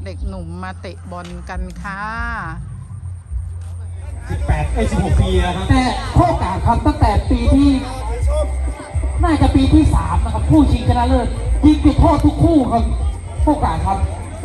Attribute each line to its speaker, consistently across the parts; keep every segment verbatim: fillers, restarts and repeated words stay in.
Speaker 1: เด็กหนุ่มมาเตะบอลกันค่ะ
Speaker 2: สิบแปดไอ้สิบหกปีแล้วครับ
Speaker 3: แต่โคกาครับตั้งแต่ปีที่น่าจะปีที่สามนะครับคู่ชิงชนะเลิศยิงจุดโทษทุกคู่ครับโคกาครับ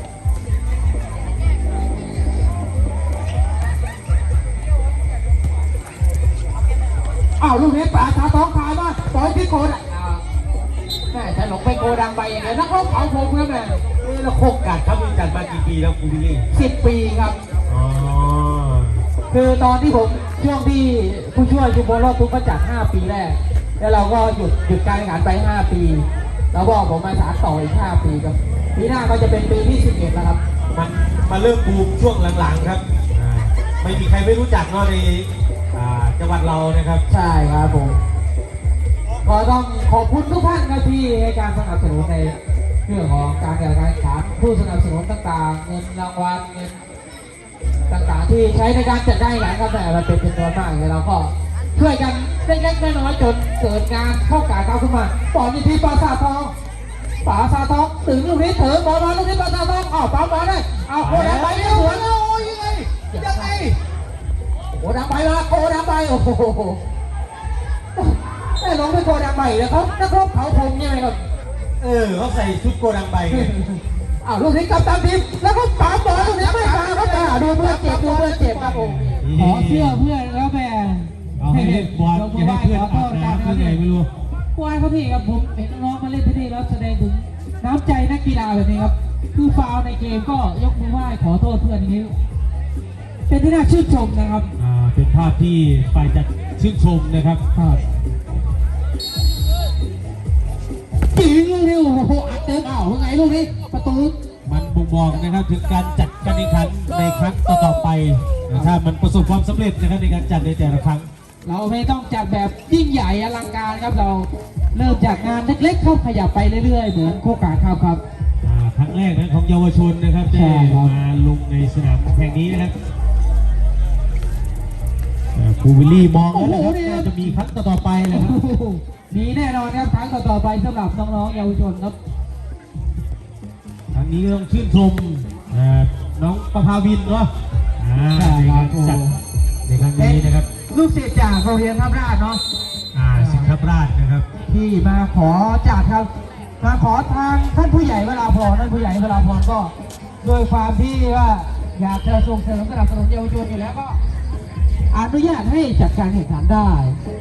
Speaker 3: อ้าวลูกนี้ป่าชาท้องขายมาปล่อยที่โกดังแม่จะหลงไปโกดังไปอย่างเงี้ยนักรบเขาผมครับแม่
Speaker 2: แล้วโคกาครับมีจัดมากี่ปีแล้วคุณพี่ลี่
Speaker 3: สิบปีครับ
Speaker 2: อ๋อ
Speaker 3: คือตอนที่ผมช่วงที่ผู้ช่วยชุมพลรอดทุกข์ก็จัดห้าปีแรกแล้วเราก็หยุดหยุดการแข่งขันไปห้าปีแล้วก็ผมมาสานต่ออีกห้าปีครับปีหน้าก็จะเป็นปีที่สิบเอ็ดแล้วครับ
Speaker 2: มันมาเริ่มบูมช่วงหลังๆครับไม่มีใครไม่รู้จักเนาะในจังหวัดเรานะครับ
Speaker 3: ใช่ครับผมก็ต้องขอบคุณทุกท่านครับที่ให้การสนับสนุนในเรื่องของการแข่งขันผู้สนับสนุนต่างๆเงินรางวัลเงินต่างๆที่ใช้ในการจัดการแข่งขันกันแต่มันเป็นจำนวนมากเลยเราก็ช่วยกันเล็กๆน้อยๆจนเกิดงานเข้าการเข้าขึ้นมาปอนที่ปราสาททองปราสาททองถึงลูกนี้เถิดบอลมาลูกนี้ปราสาททองอ้าวปั๊มบอลได้เอาโคดังไปสวนแล้วโอ้ยยังไงยังไงโคดังไปมาโคดังไปโอ้โหได้ลงไปโคดังไปแล้วเขานักรบเขาพงยังไงครับ
Speaker 2: เออเขาใส่ชุดโกดังใบ
Speaker 3: อ้าวลูกนี้กับตามทีมแล้วก็ปั๊มบอลลูกนี้ไม่มาครับแต่ดูเพื่อนเจ็บดูเพื่อนเจ็บครับผมขอเสื้อเพื่อนแล้วแม่
Speaker 2: เอาให้เล่นบอลอย่าให้เพื่อนอาบน้ำเพื่อนไงไม่รู้
Speaker 3: ควายเขาพี่ครับผมเห็นน้องมาเล่นที่นี่แล้วแสดงถึงน้ำใจนักกีฬาแบบนี้ครับคือฟาวในเกมก็ยกมือไหว้ขอโทษเพื่อนนี้เป็นที่น่าชื่นชมนะครับ
Speaker 2: อ่าเป็นภาพที่ฝ่ายจัดชื่นชมนะครับ
Speaker 3: ครับจริงลูกนี้โอ้โหอัดเต็มอ้าวยังไงลูกนี้ประตู
Speaker 2: มันบ่งบอกนะครับถึงการจัดการแข่งขันในครั้งต่อๆไปถ้ามันประสบความสำเร็จนะครับในการจัดในแต่ละครั้ง
Speaker 3: เราไม่ต้องจัดแบบยิ่งใหญ่อลังการครับเราเริ่มจากงานเล็กๆเข้าขยับไปเรื่อยๆเหมือนโคกาครับครับ
Speaker 2: ครั้งแรกนะของเยาวชนนะครับที่มาลงในสนามแห่งนี้นะครับครูวิลลี่มองแล้วนะครับจะมีครั้งต่อๆไปนะครับ
Speaker 3: มีแน่นอนครับครั้งต่อๆไปสำหรับน้องๆเยาวชนครับ
Speaker 2: ครั้งนี้ต้องชื่นชมน้องประภาวินเนาะจัดในครั้งนี้นะครับ
Speaker 3: ลูกศิษย์จากโรงเรียนทับราชเนาะ
Speaker 2: อ่าสิงห์ทับราชนะครับ
Speaker 3: ที่มาขอจากครับมาขอทางท่านผู้ใหญ่เวลาพรท่านผู้ใหญ่เวลาพรก็โดยความที่ว่าอยากจะส่งเสริมสนับสนุนเยาวชนอยู่แล้วก็อนุญาตให้จัดการแข่งขันได้